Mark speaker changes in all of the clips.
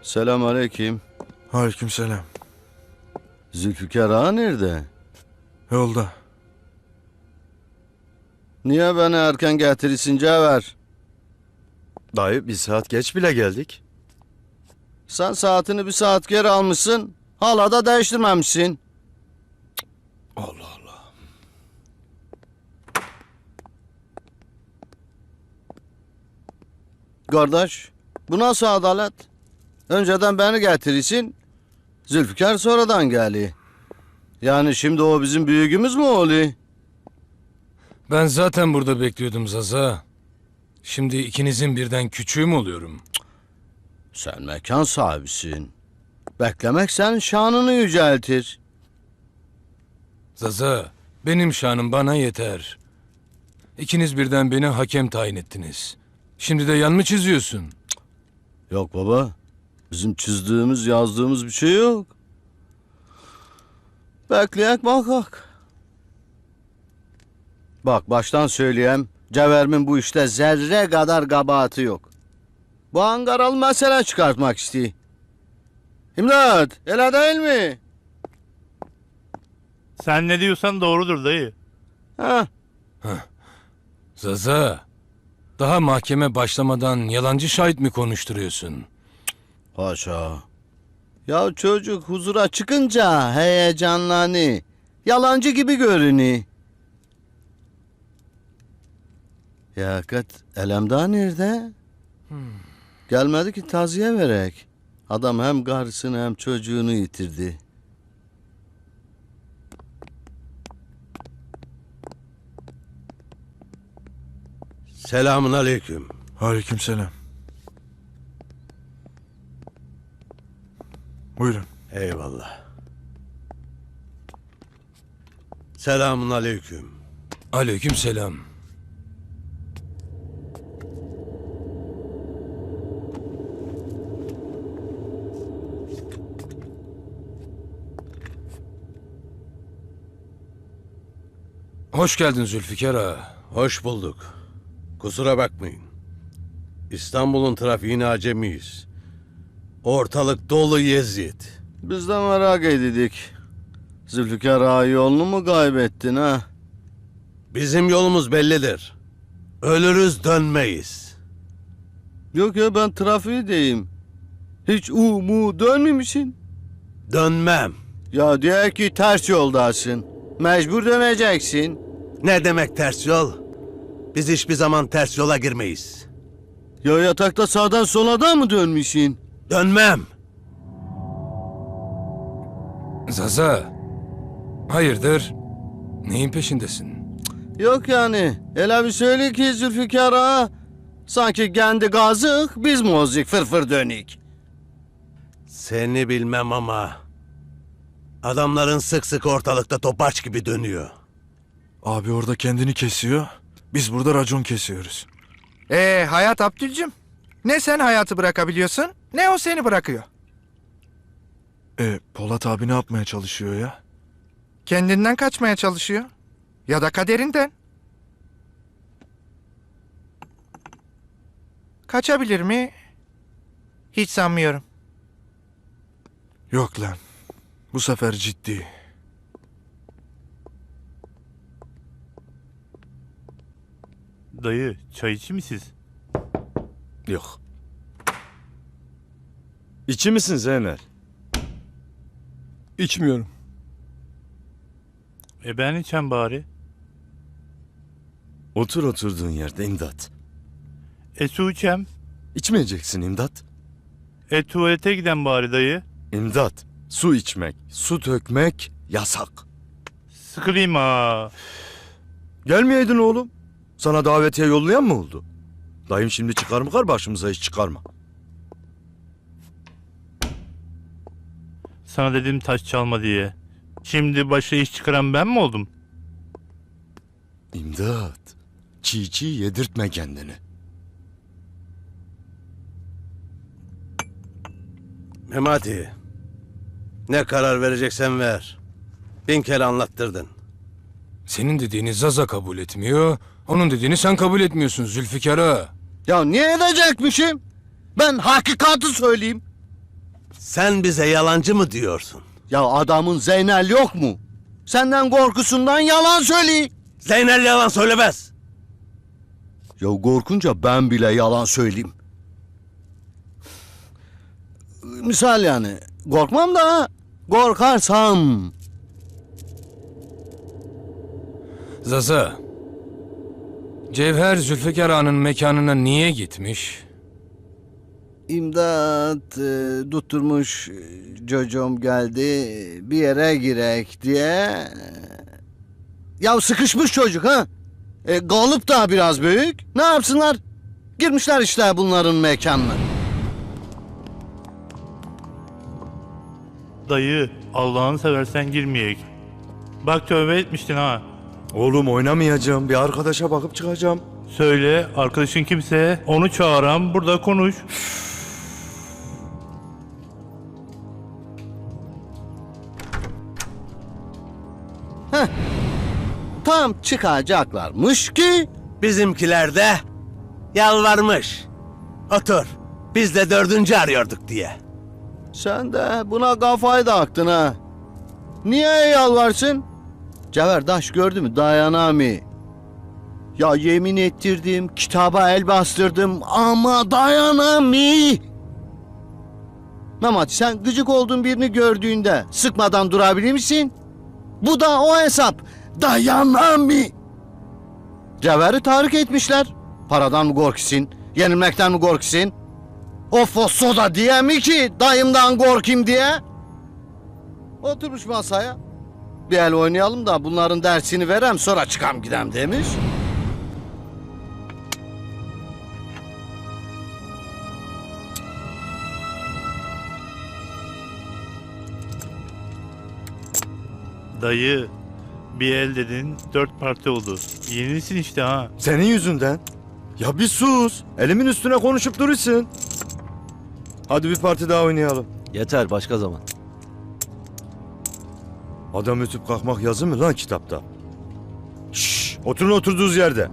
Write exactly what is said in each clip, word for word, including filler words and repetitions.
Speaker 1: Selamünaleyküm.
Speaker 2: Aleykümselam.
Speaker 1: Zülfikar Ağa nerede?
Speaker 2: Yolda.
Speaker 1: Niye beni erken getirirsin Cevher?
Speaker 3: Dayı bir saat geç bile geldik.
Speaker 1: Sen saatini bir saat geri almışsın. Hala da değiştirmemişsin.
Speaker 3: Allah Allah.
Speaker 1: Kardeş, bu nasıl adalet? Önceden beni getirirsin. Zülfikar sonradan geliyor. Yani şimdi o bizim büyüğümüz mü oluyor?
Speaker 4: Ben zaten burada bekliyordum Zaza. Şimdi ikinizin birden küçüğü mü oluyorum?
Speaker 1: Sen mekan sahibisin. Beklemek senin şanını yüceltir.
Speaker 4: Zaza, benim şanım bana yeter. İkiniz birden beni hakem tayin ettiniz. Şimdi de yan mı çiziyorsun?
Speaker 1: Yok baba. Bizim çizdiğimiz, yazdığımız bir şey yok. Bekleyek bakak. Bak baştan söyleyeyim. Cevhermin bu işte zerre kadar kabahati yok. Bu Ankaralı mesele çıkartmak istiyor. İmdat, öyle değil mi?
Speaker 5: Sen ne diyorsan doğrudur dayı.
Speaker 1: Ha,
Speaker 4: Zaza, daha mahkeme başlamadan yalancı şahit mi konuşturuyorsun?
Speaker 1: haşa. Ya çocuk huzura çıkınca heyecanlanı. Yalancı gibi görünüyor. Ya hakikat Elemdağ nerede? Gelmedi ki taziye verek. Adam hem karısını hem çocuğunu yitirdi.
Speaker 3: Selamun aleyküm.
Speaker 2: Aleykümselam. Buyurun.
Speaker 3: Eyvallah. Selamun aleyküm.
Speaker 4: Aleyküm selam. Hoş geldin Zülfikar Ağa.
Speaker 3: Hoş bulduk. Kusura bakmayın. İstanbul'un trafiğine acemiyiz. Ortalık dolu yeziyet.
Speaker 1: Biz de merak edildik. Zülfikar Ağa yolunu mu kaybettin ha?
Speaker 3: Bizim yolumuz bellidir. Ölürüz dönmeyiz.
Speaker 1: Yok ya ben trafiği deyim. Hiç u mu dönmemişsin.
Speaker 3: Dönmem.
Speaker 1: Ya diyor ki ters yoldasın. Mecbur döneceksin.
Speaker 3: Ne demek ters yol? Biz hiçbir zaman ters yola girmeyiz.
Speaker 1: Ya yatakta sağdan sola da mı dönmüşsün?
Speaker 3: Dönmem.
Speaker 4: Zaza, hayırdır? Neyin peşindesin?
Speaker 1: Yok yani. Öyle bir söyle ki Zülfikar Ağa. Sanki kendi gazık biz mozik fırfır dönük.
Speaker 3: Seni bilmem ama adamların sık sık ortalıkta topaç gibi dönüyor.
Speaker 2: Abi orada kendini kesiyor. Biz burada racon kesiyoruz.
Speaker 6: Ee Hayat Abdülcüm, ne sen hayatı bırakabiliyorsun ne o seni bırakıyor.
Speaker 2: E Polat abi ne yapmaya çalışıyor ya?
Speaker 6: Kendinden kaçmaya çalışıyor. Ya da kaderinden. Kaçabilir mi? Hiç sanmıyorum.
Speaker 2: Yok lan. Bu sefer ciddi.
Speaker 5: Dayı çay içi mi siz?
Speaker 3: Yok.
Speaker 7: İçi misin Zeynel?
Speaker 8: İçmiyorum.
Speaker 5: E ben içem bari.
Speaker 7: Otur oturduğun yerde İmdat.
Speaker 5: E su içem.
Speaker 7: İçmeyeceksin İmdat.
Speaker 5: E tuvalete giden bari dayı.
Speaker 7: İmdat. Su içmek, su dökmek yasak.
Speaker 5: Sıkılayım ha.
Speaker 7: Gelmeyeydin oğlum. Sana davetiye yollayan mı oldu? Dayım şimdi çıkar mı kar başımıza hiç çıkarma.
Speaker 5: Sana dedim taş çalma diye. Şimdi başa iş çıkaran ben mi oldum?
Speaker 7: İmdat. Çiğ çiğ yedirtme kendini.
Speaker 3: Memati. Ne karar vereceksen ver. Bin kere anlattırdın.
Speaker 4: Senin dediğini Zaza kabul etmiyor, onun dediğini sen kabul etmiyorsun Zülfikar Ağa.
Speaker 1: Ya niye edecekmişim? Ben hakikati söyleyeyim.
Speaker 3: Sen bize yalancı mı diyorsun?
Speaker 1: Ya adamın Zeynel yok mu? Senden korkusundan yalan söylüyor.
Speaker 3: Zeynel yalan söylemez.
Speaker 1: Ya korkunca ben bile yalan söyleyeyim. Misal yani korkmam da korkarsam.
Speaker 4: Zaza, Cevher Zülfikar Ağa'nın mekanına niye gitmiş?
Speaker 1: İmdat e, tutturmuş e, çocuğum geldi bir yere girek diye. Ya sıkışmış çocuk ha. E, galıp da biraz büyük. Ne yapsınlar? Girmişler işte bunların mekanına.
Speaker 5: Dayı Allah'ını seversen girmeyek. Bak tövbe etmiştin ha.
Speaker 7: Oğlum oynamayacağım. Bir arkadaşa bakıp çıkacağım.
Speaker 5: Söyle arkadaşın kimse onu çağıran burada konuş.
Speaker 1: Tam çıkacaklarmış ki
Speaker 3: Bizimkiler de yalvarmış. Otur. Biz de dördüncü arıyorduk diye.
Speaker 1: sen de buna kafayı taktın ha. Niye yalvarsın? Cevher Daş gördü mü dayanamıyor. Ya yemin ettirdim, kitaba el bastırdım ama dayanamıyor. Mehmet sen gıcık olduğun birini gördüğünde sıkmadan durabilir misin? Bu da o hesap. Dayanamıyor. Cevher'i tahrik etmişler. Paradan mı korkusun? Yenilmekten mi korkusun? O fosso da diye mi ki dayımdan korkayım diye? Oturmuş masaya. Bir el oynayalım da bunların dersini verem sonra çıkam gidem demiş.
Speaker 5: Dayı bir el dedin dört parti oldu. Yenisin işte ha.
Speaker 7: Senin yüzünden. Ya bir sus. Elimin üstüne konuşup durursun. Hadi bir parti daha oynayalım.
Speaker 3: Yeter başka zaman.
Speaker 7: Adam ötüp kalkmak yazı mı lan kitapta? Şşş, oturun oturduğunuz yerde.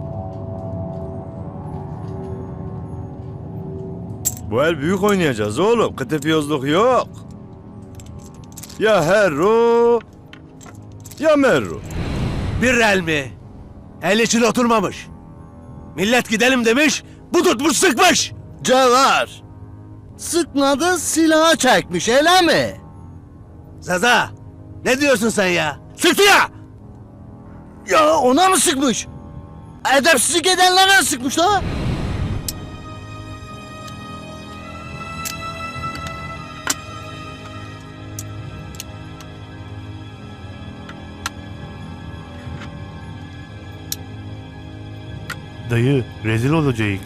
Speaker 7: Bu el büyük oynayacağız oğlum. Kıtıpiyozluk yok. Ya herro ya merro.
Speaker 3: Bir el mi? El için oturmamış. Millet gidelim demiş, bu tutmuş sıkmış.
Speaker 1: Cevher. Sıkmadı silahı çekmiş öyle mi?
Speaker 3: Zaza, ne diyorsun sen ya? Sıktı ya!
Speaker 1: Ya ona mı sıkmış? Edepsizlik edenlere sıkmış ha?
Speaker 5: Dayı rezil olacağız.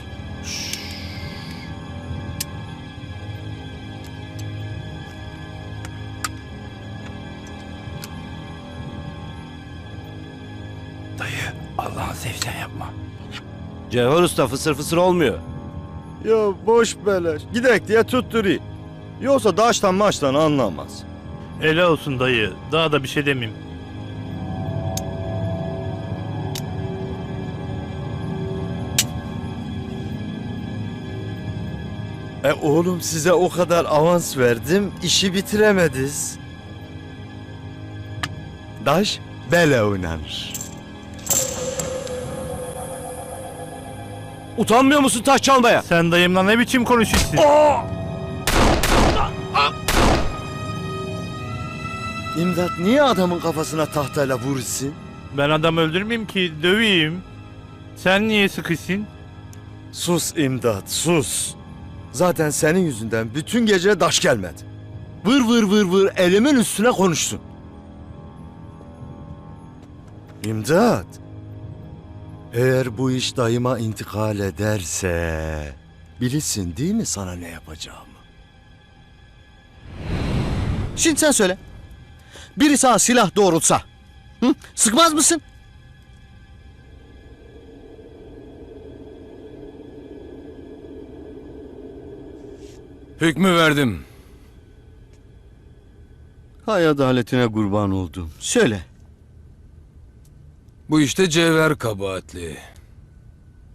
Speaker 5: Dayı Allah'ını sevsen yapma.
Speaker 8: Cevher Usta fısır fısır olmuyor.
Speaker 7: Ya boş beleş. Gidek diye tutturi. Yoksa daştan maçtan anlamaz.
Speaker 5: Ele olsun dayı. Daha da bir şey demeyeyim.
Speaker 7: E oğlum size o kadar avans verdim, işi bitiremediz. Daş bele oynanır.
Speaker 8: Utanmıyor musun taş çalmaya?
Speaker 5: Sen dayımla ne biçim konuşuyorsun?
Speaker 7: İmdat niye adamın kafasına tahtayla vurursun?
Speaker 5: Ben adam öldürmeyeyim ki döveyim. Sen niye sıkışsın?
Speaker 7: Sus imdat sus. Zaten senin yüzünden bütün gece daş gelmedi. Vır vır vır vır elimin üstüne konuşsun. İmdat. Eğer bu iş dayıma intikal ederse... Bilirsin değil mi sana ne yapacağımı?
Speaker 1: Şimdi sen söyle. Biri sana silah doğrultsa. Hı? Sıkmaz mısın?
Speaker 4: Hükmü verdim.
Speaker 1: Hay adaletine kurban oldum. Söyle.
Speaker 4: Bu işte Cevher kabahatli.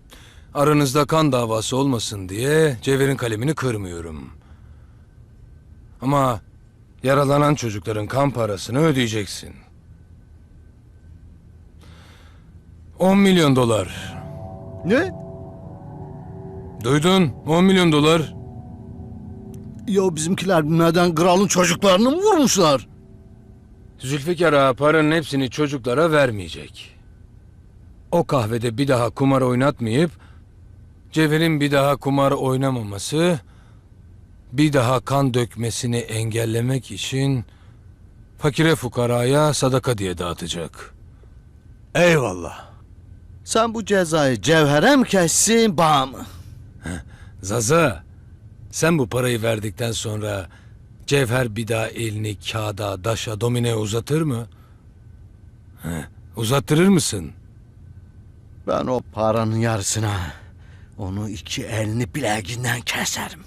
Speaker 4: Aranızda kan davası olmasın diye Cevher'in kalemini kırmıyorum. Ama yaralanan çocukların kan parasını ödeyeceksin. On milyon dolar.
Speaker 1: Ne?
Speaker 4: Duydun? On milyon dolar.
Speaker 1: Ya bizimkiler bilmeden kralın çocuklarını mı vurmuşlar?
Speaker 4: Zülfikar Ağa paranın hepsini çocuklara vermeyecek. O kahvede bir daha kumar oynatmayıp, Cevher'in bir daha kumar oynamaması, bir daha kan dökmesini engellemek için fakire fukaraya sadaka diye dağıtacak.
Speaker 3: Eyvallah.
Speaker 1: Sen bu cezayı Cevher'e mi kessin, bana mı?
Speaker 4: Zaza, sen bu parayı verdikten sonra Cevher bir daha elini kağıda, daşa, domineye uzatır mı? Heh, uzattırır mısın?
Speaker 1: Ben o paranın yarısına onu iki elini bileğinden keserim.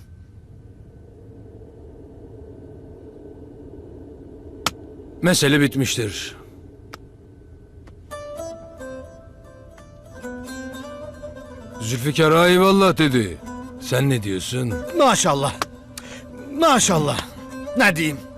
Speaker 4: Mesele bitmiştir. Zülfikar Ağa eyvallah dedi. Sen ne diyorsun?
Speaker 1: Maşallah. Maşallah. Ne diyeyim?